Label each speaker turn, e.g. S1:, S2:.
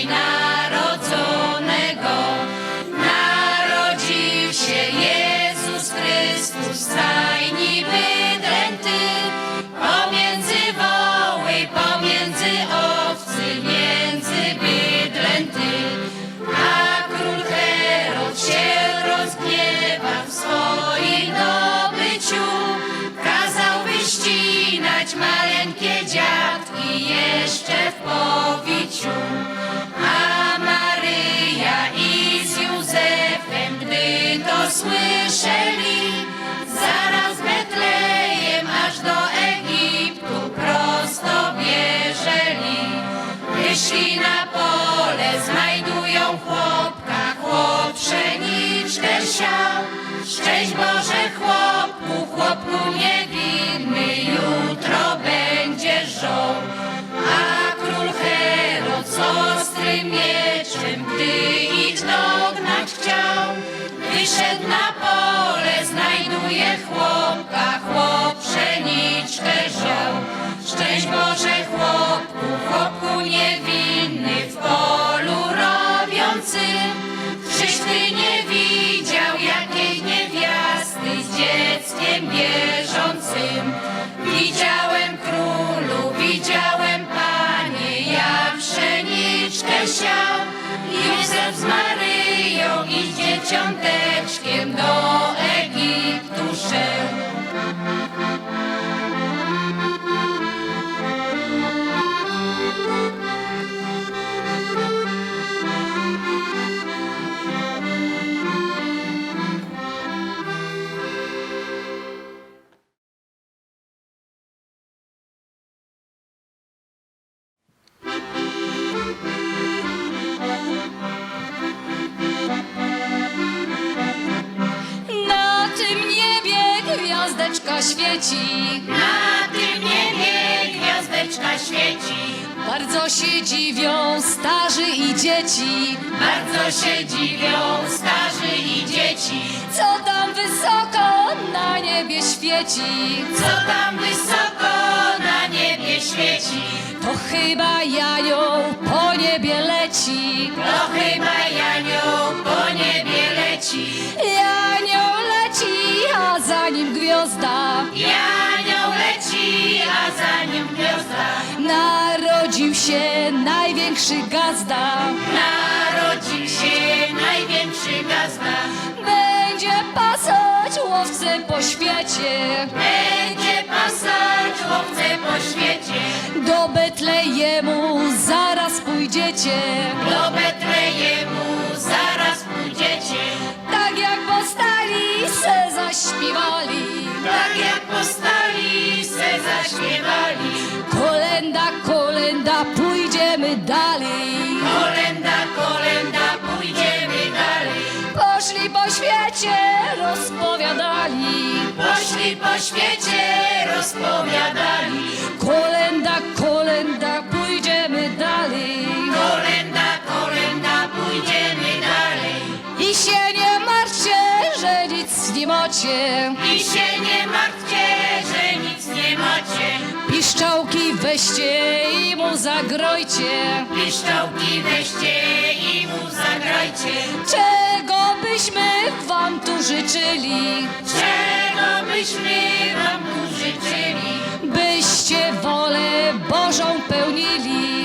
S1: dzisiaj narodzonego. Narodził się Jezus Chrystus, stajni wydręty, pomiędzy woły, pomiędzy owcy, między bydlęty. A król Herod się rozgniewa w swoim dobyciu, kazał wyścinać maleńkie dziatki jeszcze w powiciu. A Maryja i z Józefem, gdy to słyszeli, zaraz Betlejem aż do Egiptu prosto bieżeli. Wyszli na pole, znajdują chłopka, chłop pszeniczkę siał. Szczęść Boże chłopku, chłopku niewinny, jutro będzie żoł. A król Herod z ostrym mieczem, gdy ich dognać chciał, wyszedł na pole, znajduje chłopka, chłop pszeniczkę żał. Szczęść Boże chłopku, chłopku niewinny, w polu robiącym, czyś ty nie widział jakiej niewiasty z dzieckiem bieżącym? Widziałem królu, widziałem panie, jak pszeniczkę siał. Józef z Maryją i z dzieciąteczkiem do Egiptu szedł.
S2: Na tym niebie gwiazdeczka świeci,
S1: Na tym niebie gwiazdeczka świeci,
S2: bardzo się dziwią starzy i dzieci.
S1: bardzo się dziwią starzy i dzieci.
S2: Co tam wysoko na niebie świeci?
S1: Co tam wysoko na niebie świeci?
S2: To chyba Janioł po niebie leci.
S1: To chyba Janioł po niebie leci.
S2: Janioł leci, a za nim gwiazda.
S1: Janioł leci, a za nim gwiazda.
S2: Narodził się największy gazda.
S1: Narodził się największy gazda.
S2: Będzie pasać łowcę po świecie.
S1: Będzie pasać łowcę po świecie.
S2: Do Betlejemu zaraz pójdziecie.
S1: Do Betlejemu zaraz pójdziecie.
S2: Tak jak postali se zaśpiewali.
S1: Tak jak postali se zaśpiewali.
S2: Kolenda, kolenda, pójdziemy dalej.
S1: Kolenda, kolenda, pójdziemy dalej.
S2: Poszli po świecie, rozpowiadali.
S1: Poszli po świecie, rozpowiadali.
S2: Kolenda, kolenda, pójdziemy dalej.
S1: Kolenda, kolenda, pójdziemy dalej.
S2: I się nie martwcie, że nic nie macie.
S1: I się nie martwcie, że nic nie macie.
S2: Piszczałki weźcie i mu zagrojcie.
S1: Piszczałki weźcie i mu zagrajcie.
S2: Czego byśmy wam tu życzyli?
S1: Czego byśmy wam tu życzyli?
S2: Byście wolę Bożą pełnili.